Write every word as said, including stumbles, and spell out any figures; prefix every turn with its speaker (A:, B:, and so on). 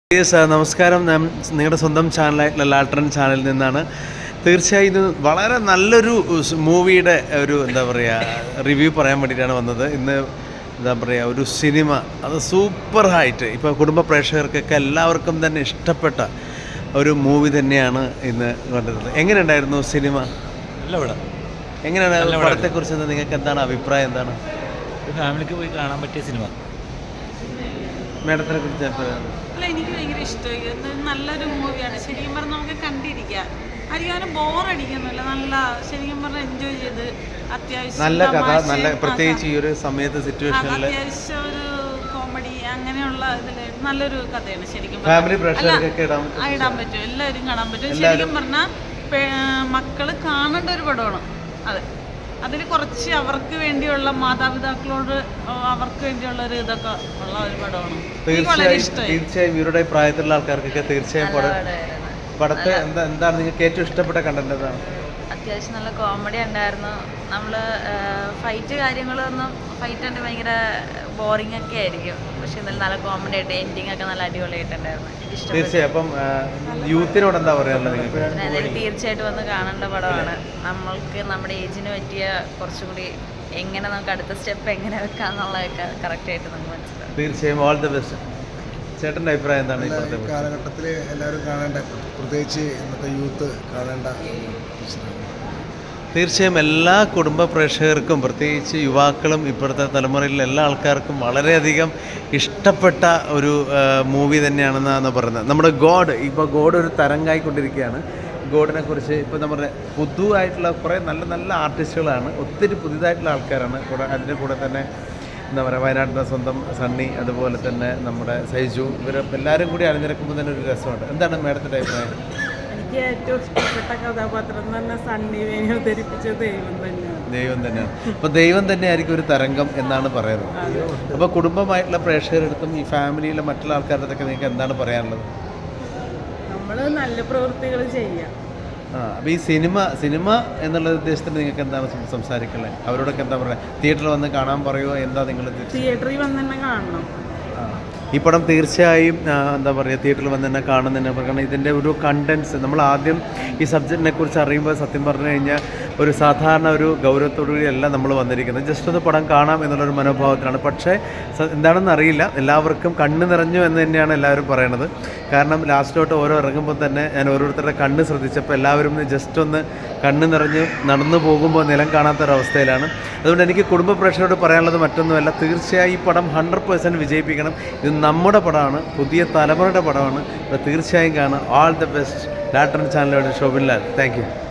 A: Yes നമസ്കാരം. ഞാൻ നിങ്ങളുടെ സ്വന്തം ചാനലായിട്ടുള്ള ലാട്രൻ ചാനലിൽ നിന്നാണ്. തീർച്ചയായും ഇത് വളരെ നല്ലൊരു മൂവിയുടെ ഒരു എന്താ പറയുക റിവ്യൂ പറയാൻ വേണ്ടിയിട്ടാണ് വന്നത്. ഇന്ന് എന്താ പറയുക ഒരു സിനിമ അത് സൂപ്പർ ഹായിട്ട് ഇപ്പോൾ കുടുംബ പ്രേക്ഷകർക്കൊക്കെ എല്ലാവർക്കും തന്നെ ഇഷ്ടപ്പെട്ട ഒരു മൂവി തന്നെയാണ് ഇന്ന് കണ്ടിരുന്നത്. എങ്ങനെയുണ്ടായിരുന്നു സിനിമ?
B: നല്ല പടം.
A: എങ്ങനെയാണ് പടത്തെക്കുറിച്ച് നിങ്ങൾക്ക് എന്താണ് അഭിപ്രായം? എന്താണ്
B: ഫാമിലിക്ക് പോയി കാണാൻ പറ്റിയ സിനിമ?
A: മേഡത്തിനെ കുറിച്ച്
C: അല്ല, എനിക്ക് ഭയങ്കര ഇഷ്ടമായി. നല്ലൊരു മൂവിയാണ്. ശരിക്കും പറഞ്ഞാൽ നമുക്ക് കണ്ടിരിക്കാം. അധികം ബോറടിക്കുന്നില്ല. നല്ല ശരിക്കും പറഞ്ഞാൽ എൻജോയ് ചെയ്ത് അത്യാവശ്യം
A: നല്ല കഥ, നല്ല പ്രത്യേകിച്ച് ഈ ഒരു സമയത്ത് സിറ്റുവേഷനിൽ
C: അത്യാവശ്യം ഒരു കോമഡി അങ്ങനെയുള്ള ഇതിൽ നല്ലൊരു കഥയാണ്. ശരിക്കും
A: ഫാമിലി പ്രേക്ഷകർക്കൊക്കെ ഇടാൻ
C: ഇടാൻ പറ്റും, എല്ലാവരും കാണാൻ പറ്റും. ശരിക്കും പറഞ്ഞാൽ മക്കള് കാണേണ്ട ഒരു പടമാണ് അത്. അതിൽ കുറച്ച് അവർക്ക് വേണ്ടിയുള്ള മാതാപിതാക്കളോട് അവർക്ക് വേണ്ടിയുള്ള ഒരു ഇതൊക്കെ ഉള്ള ഒരു പടമാണ്.
A: തീർച്ചയായും ഇവരുടെ പ്രായത്തിലുള്ള ആൾക്കാർക്കൊക്കെ തീർച്ചയായും പടത്തെ എന്താ എന്താണ് നിങ്ങൾക്ക് ഏറ്റവും ഇഷ്ടപ്പെട്ട കണ്ടന്റ്? എന്താണ്?
D: അത്യാവശ്യം നല്ല കോമഡി ഉണ്ടായിരുന്നു. നമ്മൾ ഫൈറ്റ് കാര്യങ്ങളൊന്നും ഫൈറ്റ് ഉണ്ട് ഭയങ്കര ബോറിംഗ് ഒക്കെ ആയിരിക്കും. പക്ഷെ എന്നാലും നല്ല കോമഡി ആയിട്ട് എൻഡിങ് ഒക്കെ നല്ല അടിപൊളിയായിട്ടുണ്ടായിരുന്നു.
A: തീർച്ചയായും അപ്പം യൂത്തിനോട് എന്താ പറയാനുള്ളത്?
D: എന്തായാലും തീർച്ചയായിട്ടും വന്ന് കാണേണ്ട പടമാണ്. നമ്മൾക്ക് നമ്മുടെ ഏജിന് പറ്റിയ കുറച്ചും കൂടി എങ്ങനെ നമുക്ക് അടുത്ത സ്റ്റെപ്പ് എങ്ങനെ വെക്കാം എന്നുള്ളതൊക്കെ കറക്റ്റായിട്ട് നമുക്ക് മനസ്സിലാവും.
A: തീർച്ചയായും ഓൾ ദി ബെസ്റ്റ്. ചേട്ടൻ്റെ അഭിപ്രായം എന്താണ്?
E: ഇപ്പോഴത്തെ കാലഘട്ടത്തിൽ എല്ലാവരും കാണേണ്ട, പ്രത്യേകിച്ച് ഇന്നത്തെ യൂത്ത് കാണേണ്ട.
A: തീർച്ചയായും എല്ലാ കുടുംബ പ്രേക്ഷകർക്കും പ്രത്യേകിച്ച് യുവാക്കളും ഇപ്പോഴത്തെ തലമുറയിലെ എല്ലാ ആൾക്കാർക്കും വളരെയധികം ഇഷ്ടപ്പെട്ട ഒരു മൂവി തന്നെയാണെന്നാണ് പറയുന്നത്. നമ്മുടെ ഗോഡ് ഇപ്പോൾ ഗോഡ് ഒരു തരംഗായിക്കൊണ്ടിരിക്കുകയാണ്. ഗോഡിനെ കുറിച്ച് ഇപ്പോൾ നമ്മുടെ പുതുവായിട്ടുള്ള കുറേ നല്ല നല്ല ആർട്ടിസ്റ്റുകളാണ്, ഒത്തിരി പുതിയതായിട്ടുള്ള ആൾക്കാരാണ് കൂടെ. അതിൻ്റെ കൂടെ തന്നെ എന്താ പറയുക വയനാട്ടിലെ സ്വന്തം സണ്ണി, അതുപോലെ തന്നെ നമ്മുടെ സൈജു, ഇവർ എല്ലാവരും കൂടി അണിനിരക്കുമ്പോൾ തന്നെ ഒരു രസമുണ്ട്. എന്താണ് മേഡത്തിൻ്റെ അഭിപ്രായം?
C: എനിക്ക് ഏറ്റവും ഇഷ്ടപ്പെട്ട കഥാപാത്രം തന്നെ സണ്ണി വേണി അവതരിപ്പിച്ച ദൈവം തന്നെയാണ്.
A: ദൈവം തന്നെയാണ്. അപ്പോൾ ദൈവം തന്നെയായിരിക്കും ഒരു തരംഗം എന്നാണ് പറയുന്നത്. അപ്പോൾ കുടുംബമായിട്ടുള്ള പ്രേക്ഷകരെടുത്തും ഈ ഫാമിലിയിലെ മറ്റുള്ള ആൾക്കാരുടെ അടുത്തൊക്കെ നിങ്ങൾക്ക് എന്താണ് പറയാനുള്ളത്?
C: നമ്മൾ നല്ല പ്രവൃത്തികൾ ചെയ്യാം.
A: ആ അപ്പോൾ ഈ സിനിമ സിനിമ എന്നുള്ള ഉദ്ദേശത്തിൽ നിങ്ങൾക്ക് എന്താണ് സംസാരിക്കുന്നത്? അവരോടൊക്കെ എന്താ പറയുക? തിയേറ്ററിൽ വന്ന് കാണാൻ പറയുമോ? എന്താ നിങ്ങൾ
C: തിയേറ്ററിൽ വന്ന് തന്നെ കാണണം.
A: ആ ഈ പടം തീർച്ചയായും എന്താ പറയുക തിയേറ്ററിൽ വന്ന് തന്നെ കാണുന്നതിന് കാരണം ഇതിൻ്റെ ഒരു കണ്ടൻസ് നമ്മൾ ആദ്യം ഈ സബ്ജക്റ്റിനെ കുറിച്ച് അറിയുമ്പോൾ സത്യം പറഞ്ഞു കഴിഞ്ഞാൽ ഒരു സാധാരണ ഒരു ഗൗരവത്തോടുകൂടിയല്ല നമ്മൾ വന്നിരിക്കുന്നത്. ജസ്റ്റ് ഒന്ന് പടം കാണാം എന്നുള്ളൊരു മനോഭാവത്തിലാണ്. പക്ഷേ എന്താണെന്ന് അറിയില്ല, എല്ലാവർക്കും കണ്ണ് നിറഞ്ഞു എന്ന് തന്നെയാണ് എല്ലാവരും പറയണത്. കാരണം ലാസ്റ്റിലോട്ട് ഓരോ ഇറങ്ങുമ്പോൾ തന്നെ ഞാൻ ഓരോരുത്തരുടെ കണ്ണ് ശ്രദ്ധിച്ചപ്പോൾ എല്ലാവരും ജസ്റ്റ് ഒന്ന് കണ്ണ് നിറഞ്ഞ് നടന്നു പോകുമ്പോൾ നിലം കാണാത്തൊരവസ്ഥയിലാണ്. അതുകൊണ്ട് എനിക്ക് കുടുംബ പ്രേക്ഷകരോട് പറയാനുള്ളത് മറ്റൊന്നുമല്ല, തീർച്ചയായും ഈ പടം ഹൺഡ്രഡ് പേഴ്സൻറ്റ് വിജയിപ്പിക്കണം. ഇത് നമ്മുടെ പടമാണ്, പുതിയ തലമുറയുടെ പടമാണ്. അപ്പോൾ തീർച്ചയായും കാണാം. All the best. ലാട്രൻ ചാനലോട് ശോഭിൻ ലാൽ. Thank U.